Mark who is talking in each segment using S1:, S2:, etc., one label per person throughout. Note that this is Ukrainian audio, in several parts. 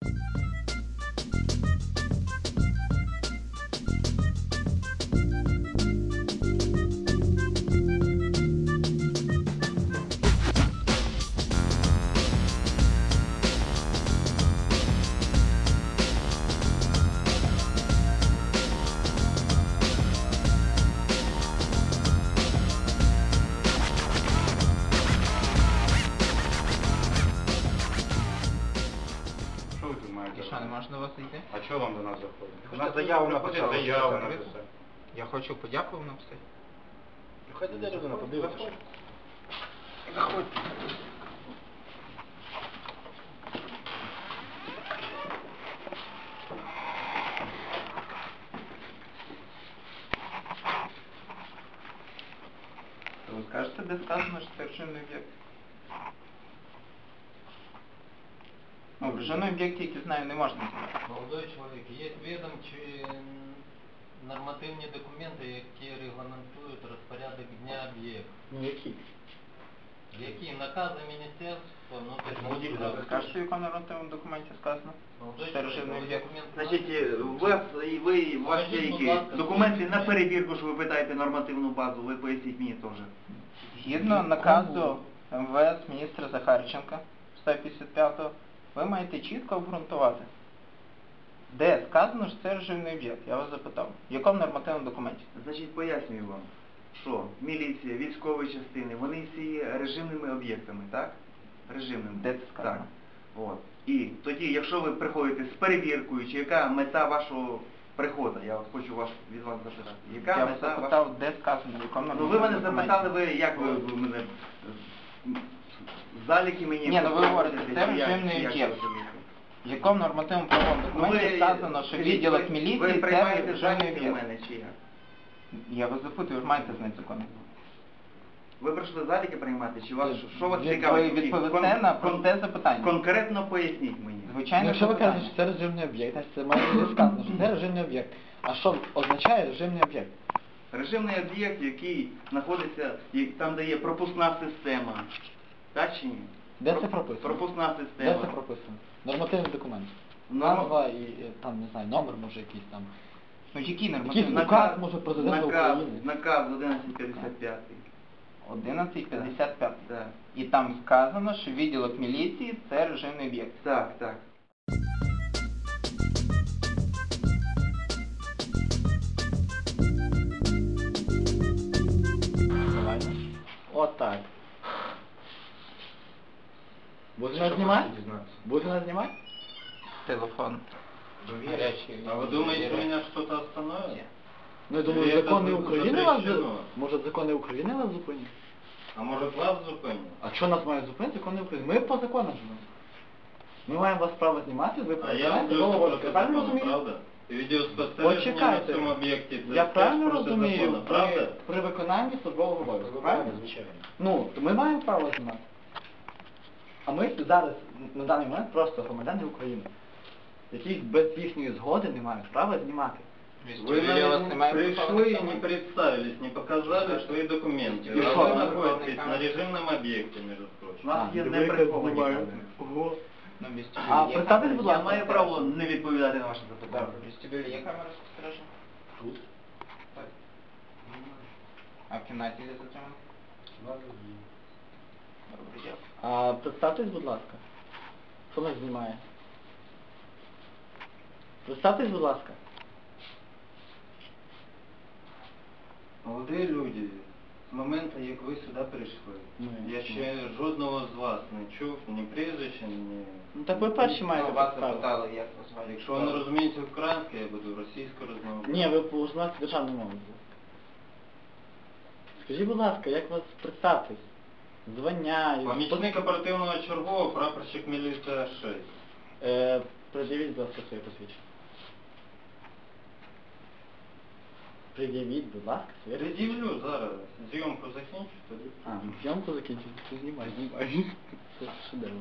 S1: І що, не можна до вас зайти?
S2: А чого вам до нас заходити?
S1: Ви
S2: На
S1: хочете
S2: заяву
S1: заходити,
S2: написати.
S1: заяву
S2: Заяву
S1: написати?
S2: написати.
S1: Я хочу подяку вам написати.
S2: Хай іде людина, подивитися.
S1: Заходьте. Ви скажете, де сказано, що це режимний об'єкт? Ну, в режимному об'єкті, який знаю, не можна знімати.
S3: Молодой чоловік, є відомчі нормативні документи, які регламентують розпорядок дня об'єкту.
S2: Ну які?
S3: Які накази Міністерства внутрішніх
S1: Ви
S3: справ.
S1: скажете, в якому нормативному документі сказано?
S3: Молодой
S1: Це
S3: чоловік,
S1: режимний
S3: ви
S1: об'єкт.
S3: документ
S4: Значить,
S3: знаєте?
S4: у вас є які документи на перевірку, що ви питаєте нормативну базу, ви поясніть мені теж.
S1: Згідно наказу МВС міністра Захарченка 155-го, ви маєте чітко обґрунтувати, де сказано, що це режимний об'єкт. Я вас запитав. В якому нормативному документі?
S4: Значить, пояснюю вам, що міліція, військові частини, вони всі є режимними об'єктами, так? Режимними.
S1: Де це сказано?
S4: Так. От. І тоді, якщо ви приходите з перевіркою, чи яка мета вашого приходу, я от хочу від вас запитати, яка
S1: Я вас
S4: мета
S1: запитав, де сказано, в якому
S4: Ну
S1: нормативному
S4: ви мене
S1: документі.
S4: запитали, як ви мене заліки мені...
S1: Ні, ну ви говорите, це
S4: чи як-
S1: режимний
S4: чи як
S1: об'єкт.
S4: розумієте?
S1: В якому нормативному правовому документі сказано, що відділок
S4: ви
S1: міліції це
S4: приймаєте
S1: режимний
S4: заліки в
S1: об'єкт?
S4: мене, чи як?
S1: Я вас запитую, ви ж маєте знати закон.
S4: Ви прийшли заліки приймати, чи вас, що вас
S1: Ви
S4: цікавить?
S1: відповісте на просте запитання.
S4: Конкретно поясніть мені.
S1: Звичайно,
S5: Якщо ви
S1: запитання.
S5: кажете, що це режимний об'єкт, значить це має бути сказано, що це режимний об'єкт. А що означає режимний об'єкт?
S4: Режимний об'єкт, який знаходиться, там де є пропускна система. Так чи ні?
S5: Де це прописано?
S4: Пропускна
S5: Де
S4: система.
S5: це прописано? Нормативний документ.
S4: Ну,
S5: Назва і там, не знаю, номер може якийсь там.
S1: Ну який
S5: Якийсь
S1: нормативний?
S5: указ, може, президента України.
S4: Наказ 1155.
S1: 1155.
S4: Так.
S1: І там сказано, що відділок міліції це режимний об'єкт.
S4: Так, так.
S5: Давай. Отак. Будете нас знімати? Будете нас знімати?
S1: Телефон. Гарячий.
S3: А вы думаете, меня что-то остановит?
S5: Ну я думаю,
S3: Це
S5: закони України вас
S3: запрещено.
S5: може закони України вас зупинять?
S3: А может вас зупинить?
S5: А що нас мають зупинити закони України? Ми по законам живемо. Ми маємо вас право знімати, ви
S3: А я
S5: правильно
S3: люблю
S5: правильно
S3: закон,
S5: розумію?
S3: правда? І відеоспостереження на
S5: Почекайте.
S3: цьому об'єкті. це
S5: Я
S3: теж
S5: правильно
S3: проти
S5: розумію,
S3: закону, правда?
S5: при виконанні службового обов'язку, правильно?
S2: Звичайно.
S5: Ну, то ми маємо право знімати. А ми зараз, на даний момент, просто громадяни України, які без їхньої згоди не мають права знімати.
S3: Вы
S1: Я вас
S3: нам
S1: снимаю,
S3: пришли и
S1: пожалуйста.
S3: не представились, не показали свои документы.
S5: И
S3: А
S5: что?
S3: вы находитесь на режимном объекте, между
S4: У
S3: прочим.
S4: нас є
S5: диви,
S4: неприховані
S5: як
S4: камери.
S5: Ого.
S1: Ну, в вестибюлі
S5: А,
S1: є
S5: представтесь,
S1: камера?
S5: будь
S4: Я
S5: ласка.
S4: маю право не відповідати на ваше
S1: Так,
S4: запитання.
S1: в вестибюлі є камера спостереження?
S2: Тут?
S1: Так. А в кімнаті є затримано? Добре, дякую.
S5: А представтесь, будь ласка. Хто нас знімає? Представтесь, будь ласка.
S3: Молоді люди, з моменту, як ви сюди прийшли,
S5: Ну,
S3: я ще жодного з вас не чув, ні прізвища, ні...
S5: Ну так ви перші маєте
S1: Ну, вас
S5: підстави.
S1: запитали, як вас звати.
S3: Якщо ви не розумієте українську, я буду російською розмовляти.
S5: Ні, ви познати державну мову. Скажіть, будь ласка, як вас представтесь? Звання... і-
S3: Помічник оперативного чергового, прапорщик міліція 6.
S5: Пред'явіть, будь ласка, своє посвідчення. Пред'явіть, будь ласка, своє посвідчення.
S3: Пред'явлю зараз. Зйомку закінчу, тоді.
S5: А, зйомку закінчити. Ти знімай, знімай. Це шедевр.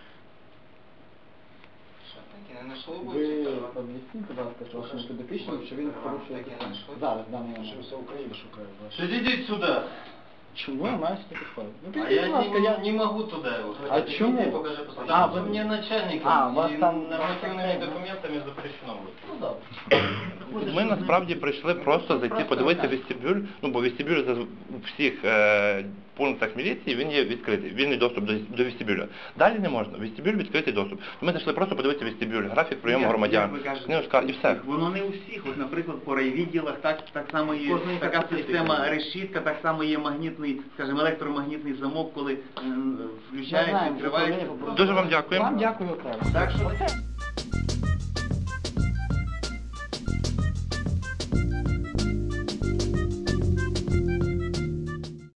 S1: Що, таки не знайшли
S5: Ви
S1: будь-що?
S5: об'ясніть, будь ласка, вашому підопічному, що він порушує
S1: Таке
S5: закон.
S1: знайшли?
S5: Зараз, в даний
S2: Що
S5: момент.
S2: вся Україна шукає вас.
S3: Підійдіть сюди.
S5: Чому я маю сюди підходити? Ну,
S3: А
S5: підійдіть,
S3: я
S5: будь ласка,
S3: не могу туда его.
S5: А
S3: Хотя
S5: чему?
S3: иди, покажи посмотри.
S5: А,
S3: Потому что
S5: вы-
S3: мне начальником
S5: А, у вас
S3: и
S5: там-
S3: нормативными документами запрещено будет.
S5: Ну, добре.
S4: Ми насправді прийшли просто зайти, подивитися вестибюль, ну бо вестибюль у всіх пунктах міліції він є відкритий, вільний доступ до вестибюля. Далі не можна, вестибюль відкритий доступ. Ми зайшли просто подивитися вестибюль, графік прийому громадян, книжка і все. Воно не у всіх. От, наприклад, по райвідділах так само є
S2: Кожної
S4: така
S2: специфіка.
S4: система решітка, так само є магнітний, скажімо, електромагнітний замок, коли
S5: Ми
S4: включається,
S5: знаємо,
S4: відкривається.
S5: що повинні
S4: Дуже вам дякуємо.
S5: Вам дякую окремо.
S4: Так що